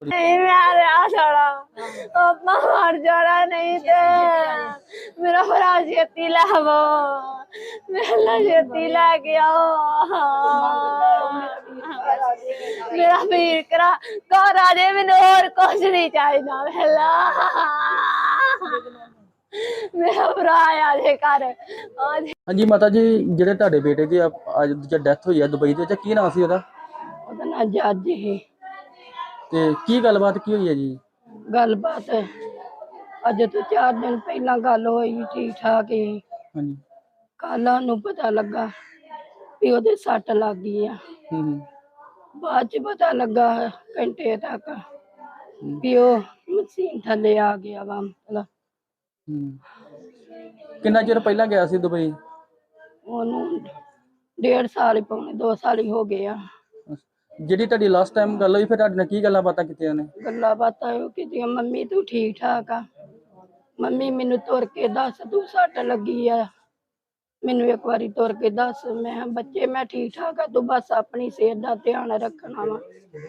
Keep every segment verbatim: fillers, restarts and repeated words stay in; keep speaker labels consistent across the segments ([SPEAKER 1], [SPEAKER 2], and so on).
[SPEAKER 1] नहीं मैं आ छोड़ा अपना मर जाना नहीं थे मेरा भरा छेती लावो मेरा छेती ला के आओ मेरा वीर करा घर आ जाए मैंने और कुछ नहीं चाहिए मेला मेरा भरा आ जाए घर
[SPEAKER 2] हाँ जी माता जी ਜਿਹੜੇ ਤੁਹਾਡੇ ਬੇਟੇ ਦੀ ਅੱਜ ਦੀ ਡੈਥ ਹੋਈ ਹੈ ਦੁਬਈ ਦੇ ਵਿੱਚ ਕੀ ਨਾਮ ਸੀ ਉਹਦਾ?
[SPEAKER 1] ਉਹਦਾ ਨਾਂ ਜੱਜ ਹੀ।
[SPEAKER 2] ਤੇ ਕੀ ਗੱਲਬਾਤ ਕੀ ਹੋਈ ਹੈ ਜੀ?
[SPEAKER 1] ਗੱਲਬਾਤ ਅੱਜ ਤੋਂ ਚਾਰ ਦਿਨ ਪਹਿਲਾਂ ਗੱਲ ਹੋਈ ਠੀਕ ਠਾਕ ਹੀ।
[SPEAKER 2] ਹਾਂਜੀ।
[SPEAKER 1] ਕੱਲ ਨੂੰ ਪਤਾ ਲੱਗਾ ਵੀ ਉਹਦੇ ਸੱਟ ਲੱਗ ਗਈ ਆ।
[SPEAKER 2] ਹੂੰ।
[SPEAKER 1] ਬਾਅਦ ਚ ਪਤਾ ਲੱਗਾ ਘੰਟੇ ਤੱਕ ਵੀ ਉਹ ਮਸ਼ੀਨ ਥੱਲੇ ਆ ਗਿਆ ਵਾ ਮਤਲਬ।
[SPEAKER 2] ਹੂੰ। ਕਿੰਨਾ ਚਿਰ ਪਹਿਲਾਂ ਗਿਆ ਸੀ ਦੁਬਈ?
[SPEAKER 1] ਉਹਨੂੰ ਡੇਢ ਸਾਲ ਹੀ ਪੌਣੇ ਦੋ ਸਾਲ ਹੀ ਹੋ ਗਏ ਆ।
[SPEAKER 2] ਜਿਹੜੀ ਤੁਹਾਡੀ ਲਾਸਟ ਟਾਈਮ ਗੱਲ ਹੋਈ ਫਿਰ ਤੁਹਾਡੇ ਨਾਲ ਕੀ ਗੱਲਾਂ ਬਾਤਾਂ ਕੀਤੀਆਂ ਨੇ?
[SPEAKER 1] ਗੱਲਾਂ ਬਾਤਾਂ ਉਹ ਕੀਤੀਆਂ ਮੰਮੀ ਤੂੰ ਠੀਕ ਠਾਕ ਆ ਮੰਮੀ ਮੈਨੂੰ ਤੁਰ ਕੇ ਦੱਸ ਤੂੰ ਸੱਟ ਲੱਗੀ ਆ ਮੈਨੂੰ ਇੱਕ ਵਾਰੀ ਤੁਰ ਕੇ ਦੱਸ। ਮੈਂ ਬੱਚੇ ਮੈਂ ਠੀਕ ਠਾਕ ਆ ਤੂੰ ਬਸ ਆਪਣੀ ਸਿਹਤ ਦਾ ਧਿਆਨ ਰੱਖਣਾ ਵਾ।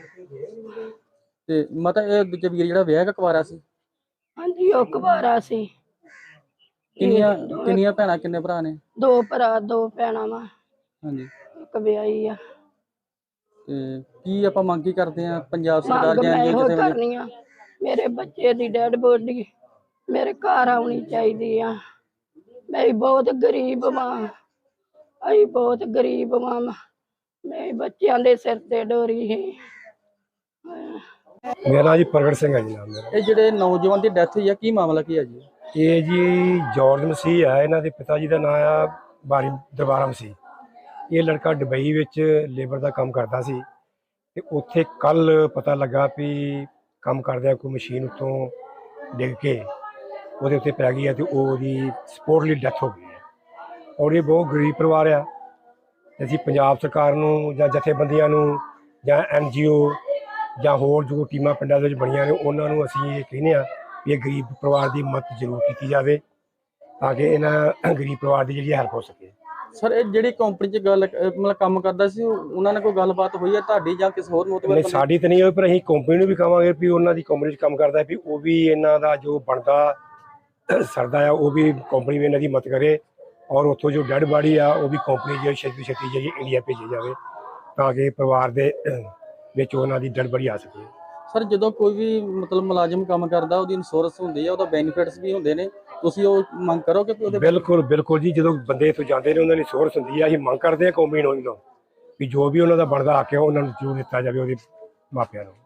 [SPEAKER 2] ਤੇ ਮਾਤਾ ਇਹ ਦੂਜਾ ਵੀਰ ਜਿਹੜਾ ਵਿਆਹ ਕੁਆਰਾ ਸੀ?
[SPEAKER 1] ਹਾਂਜੀ ਉਹ ਕੁਵਾਰਾ ਸੀ।
[SPEAKER 2] ਕਿੰਨੀਆਂ ਕਿੰਨੀਆਂ ਭੈਣਾਂ ਕਿੰਨੇ ਭਰਾ ਨੇ?
[SPEAKER 1] ਦੋ ਭਰਾ ਦੋ ਭੈਣਾਂ ਵਾ।
[SPEAKER 2] ਹਾਂਜੀ।
[SPEAKER 1] ਇੱਕ ਵਿਆਹੀ ਆ।
[SPEAKER 2] ਤੇ ਕੀ ਆਪਾਂ ਮੰਗ ਕੀ ਕਰਦੇ ਆ ਪੰਜਾਬ ਸਰਕਾਰ
[SPEAKER 1] ਮੰਗ
[SPEAKER 2] ਜਾਂ
[SPEAKER 1] ਮੈਂ ਇਹੋ
[SPEAKER 2] ਕਿਸੇ
[SPEAKER 1] ਕਰਨੀ ਆ ਮੇਰੇ ਬੱਚੇ ਦੀ ਡੈਡ ਬੋਡੀ ਮੇਰੇ ਘਰ ਆਉਣੀ ਚਾਹੀਦੀ ਆ। ਮੈਂ ਬਹੁਤ ਗਰੀਬ ਮਾਂ ਅਸੀਂ ਬਹੁਤ ਗਰੀਬ ਮਾਂ ਮੈਂ ਬੱਚਿਆਂ ਦੇ ਸਿਰ ਤੇ ਡੋਰੀ ਹੈ।
[SPEAKER 3] ਮੇਰਾ ਜੀ ਪ੍ਰਗਟ ਸਿੰਘ ਹੈ ਜੀ ਨਾਮ ਮੇਰਾ।
[SPEAKER 2] ਇਹ ਜਿਹੜੇ ਨੌਜਵਾਨ ਦੀ ਡੈਥ ਹੋਈ ਆ ਕੀ ਮਾਮਲਾ ਕੀ ਹੈ ਜੀ?
[SPEAKER 3] ਇਹ ਜੀ ਜੌਰਜ ਮਸੀਹ ਆ ਇਹਨਾਂ ਦੇ ਪਿਤਾ ਜੀ ਦਾ ਨਾਮ ਆ ਬਾਰੀ ਦਰਬਾਰਾ ਮਸੀਹ। ਇਹ ਲੜਕਾ ਦੁਬਈ ਵਿੱਚ ਲੇਬਰ ਦਾ ਕੰਮ ਕਰਦਾ ਸੀ ਤੇ ਉੱਥੇ ਕੱਲ ਪਤਾ ਲੱਗਾ ਵੀ ਕੰਮ ਕਰਦਿਆਂ ਕੋਈ ਮਸ਼ੀਨ ਉੱਤੋਂ ਡਿੱਗ ਕੇ ਉਹਦੇ ਉੱਤੇ ਪੈ ਗਈ ਹੈ ਤੇ ਉਹਦੀ ਸਪੋਰਟਲੀ ਡੈਥ ਹੋ ਗਈ ਹੈ। ਔਰ ਇਹ ਬਹੁਤ ਗਰੀਬ ਪਰਿਵਾਰ ਆ। ਅਸੀਂ ਪੰਜਾਬ ਸਰਕਾਰ ਨੂੰ ਜਾਂ ਜਥੇਬੰਦੀਆਂ ਨੂੰ ਜਾਂ ਐਨ ਜੀ ਓ ਜਾਂ ਹੋਰ ਜੋ ਟੀਮਾਂ ਪਿੰਡਾਂ ਦੇ ਵਿੱਚ ਬਣੀਆਂ ਨੇ ਉਹਨਾਂ ਨੂੰ ਅਸੀਂ ਇਹ ਕਹਿੰਦੇ ਹਾਂ ਵੀ ਇਹ ਗਰੀਬ ਪਰਿਵਾਰ ਦੀ ਮਦਦ ਜ਼ਰੂਰ ਕੀਤੀ ਜਾਵੇ ਤਾਂ ਕਿ ਇਹਨਾਂ ਗਰੀਬ ਪਰਿਵਾਰ ਦੀ ਜਿਹੜੀ ਹੈਲਪ ਹੋ ਸਕੇ।
[SPEAKER 2] ਸਰ ਇਹ ਜਿਹੜੀ ਕੰਪਨੀ 'ਚ ਗੱਲ ਮਤਲਬ ਕੰਮ ਕਰਦਾ ਸੀ ਉਹਨਾਂ ਨਾਲ ਕੋਈ ਗੱਲਬਾਤ ਹੋਈ ਹੈ ਤੁਹਾਡੀ ਜਾਂ ਕਿਸੇ ਹੋਰ ਮੋਤਬਰ?
[SPEAKER 3] ਨਹੀਂ ਸਾਡੀ ਤਾਂ ਨਹੀਂ ਹੋਈ ਪਰ ਅਸੀਂ ਕੰਪਨੀ ਨੂੰ ਵੀ ਕਹਾਂਗੇ ਵੀ ਉਹਨਾਂ ਦੀ ਕੰਪਨੀ 'ਚ ਕੰਮ ਕਰਦਾ ਵੀ ਉਹ ਵੀ ਇਹਨਾਂ ਦਾ ਜੋ ਬਣਦਾ ਸਰਦਾ ਆ ਉਹ ਵੀ ਕੰਪਨੀ ਵੀ ਇਹਨਾਂ ਦੀ ਮਦਦ ਕਰੇ ਔਰ ਉੱਥੋਂ ਜੋ ਡੈਡ ਬਾਡੀ ਆ ਉਹ ਵੀ ਕੰਪਨੀ ਜਿਹੜੀ ਛੇਤੀ ਛੇਤੀ ਜਿਹੜੀ ਇੰਡੀਆ ਭੇਜੀ ਜਾਵੇ ਤਾਂ ਕਿ ਪਰਿਵਾਰ ਦੇ ਵਿੱਚ ਉਹਨਾਂ ਦੀ ਡੈਡ ਬਾਡੀ ਆ ਸਕੇ।
[SPEAKER 2] ਸਰ ਜਦੋਂ ਕੋਈ ਵੀ ਮਤਲਬ ਮੁਲਾਜ਼ਮ ਕੰਮ ਕਰਦਾ ਉਹਦੀ ਇੰਸ਼ੋਰੈਂਸ ਹੁੰਦੀ ਹੈ ਉਹਦਾ ਬੈਨੀਫਿਟਸ ਵੀ ਹੁੰਦੇ ਨੇ ਤੁਸੀਂ ਉਹ ਮੰਗ ਕਰੋਗੇ ਕਿ ਉਹਦੇ?
[SPEAKER 3] ਬਿਲਕੁਲ ਬਿਲਕੁਲ ਜੀ ਜਦੋਂ ਬੰਦੇ ਇੱਥੋਂ ਜਾਂਦੇ ਨੇ ਉਹਨਾਂ ਦੀ ਇੰਸ਼ੋਰੈਂਸ ਹੁੰਦੀ ਆ। ਅਸੀਂ ਮੰਗ ਕਰਦੇ ਹਾਂ ਕੰਪਨੀ ਨੂੰ ਵੀ ਜੋ ਵੀ ਉਹਨਾਂ ਦਾ ਬਣਦਾ ਹੱਕ ਹੈ ਉਹਨਾਂ ਨੂੰ ਜ਼ਰੂਰ ਦਿੱਤਾ ਜਾਵੇ ਉਹਦੇ ਮਾਪਿਆਂ ਨੂੰ।